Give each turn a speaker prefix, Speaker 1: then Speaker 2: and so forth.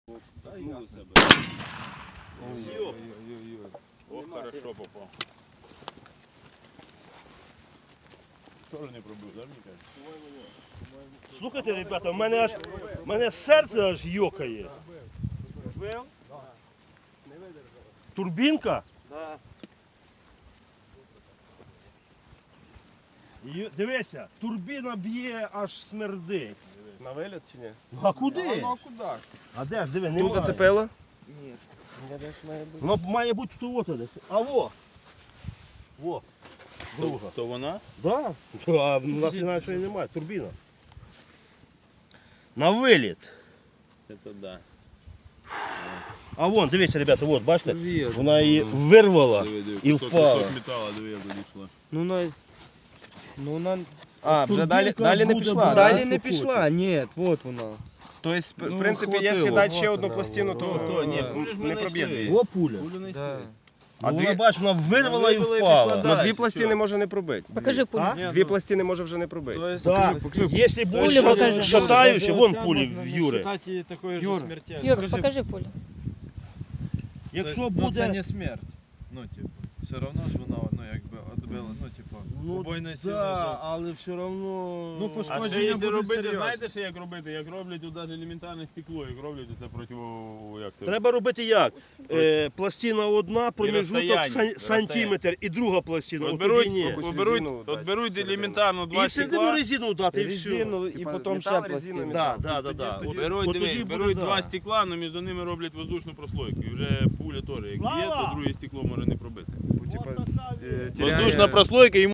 Speaker 1: Ой-ой-ой.
Speaker 2: Ох, хорошо попав. Тоже не пробив, да, мені кажуть?
Speaker 3: Слухайте, ребята, в мене серце аж йокає. Турбінка?
Speaker 1: Да.
Speaker 3: Дивися, турбіна б'є, аж смердить.
Speaker 1: На виліт чи ні?
Speaker 3: А куди?
Speaker 1: Ну а куди?
Speaker 3: А де ж, диви,
Speaker 1: Ту
Speaker 3: немає.
Speaker 1: зацепило? Ні. Я десь має бути.
Speaker 3: Воно має бути тут десь. А во! Во. Друга.
Speaker 2: То вона?
Speaker 3: Да. А в нас інакше і немає, турбіна. На виліт.
Speaker 2: Це да.
Speaker 3: А вон, дивіться, ребята, от, бачите?
Speaker 1: Привіт.
Speaker 3: Вона її вирвала
Speaker 2: Диви,
Speaker 3: і впала.
Speaker 2: кусок металу, диви, як дійшла.
Speaker 1: Ну на... Ну на... А, вже
Speaker 3: Турбінка
Speaker 1: далі не
Speaker 3: буде
Speaker 1: пішла.
Speaker 3: брати,
Speaker 1: Далі
Speaker 3: що
Speaker 1: не
Speaker 3: хоче.
Speaker 1: пішла, ні, от вона. Тобто, в принципі, якщо
Speaker 4: хватило.
Speaker 1: дати ще одну пластину, то ні, не проб'є дві.
Speaker 3: О, пуля.
Speaker 1: Да.
Speaker 3: А
Speaker 1: дві-
Speaker 3: вона, бач, вона вирвала і
Speaker 2: Вирвала і
Speaker 3: впала.
Speaker 2: пішла
Speaker 1: Ну дві пластини може не пробити.
Speaker 4: Покажи пулю.
Speaker 3: А?
Speaker 1: Дві пластини може вже не пробити.
Speaker 3: Так, якщо
Speaker 4: Пулю
Speaker 3: буде
Speaker 4: покажи.
Speaker 3: шатаючи, вон пулі в Юри.
Speaker 5: Юр,
Speaker 4: Юр, покажи пулю.
Speaker 3: Якщо
Speaker 5: це
Speaker 3: буде...
Speaker 5: не смерть. Ну, типу, все одно ж вона, ну, якби, відбила, ну, типу, убойної сили.
Speaker 3: да, але все одно...
Speaker 5: Ну,
Speaker 2: А ще
Speaker 5: пошкодження
Speaker 2: якщо
Speaker 5: будуть
Speaker 2: робити,
Speaker 5: серйозні.
Speaker 2: знаєте, що як робити? Як роблять тут навіть елементарне стекло, як роблять це проти, як це?
Speaker 3: Треба робити як? Пластина одна, проміжуток
Speaker 2: розстояння,
Speaker 3: сантиметр і друга пластина.
Speaker 2: От
Speaker 3: От
Speaker 2: беруть,
Speaker 3: тоді ні.
Speaker 1: якусь
Speaker 2: от беруть,
Speaker 1: резину
Speaker 2: от
Speaker 1: дати
Speaker 2: беруть
Speaker 1: всередину.
Speaker 2: елементарно
Speaker 3: І
Speaker 2: два
Speaker 3: всередину
Speaker 2: стекла.
Speaker 3: резину дати, і все.
Speaker 1: Резину і
Speaker 4: Типа
Speaker 1: потім ще
Speaker 4: метал,
Speaker 1: пластину.
Speaker 4: резина,
Speaker 3: Да,
Speaker 4: метал.
Speaker 3: да, да, да. От
Speaker 2: Беруть,
Speaker 3: тоді
Speaker 2: дивись,
Speaker 3: буде,
Speaker 2: беруть
Speaker 3: да.
Speaker 2: два стекла, але між ними роблять воздушну прослойку. І вже пуля теж, як є,
Speaker 3: Слава!
Speaker 2: то друге стекло може не пробити.
Speaker 1: Типа,
Speaker 2: Воздушна прослойка,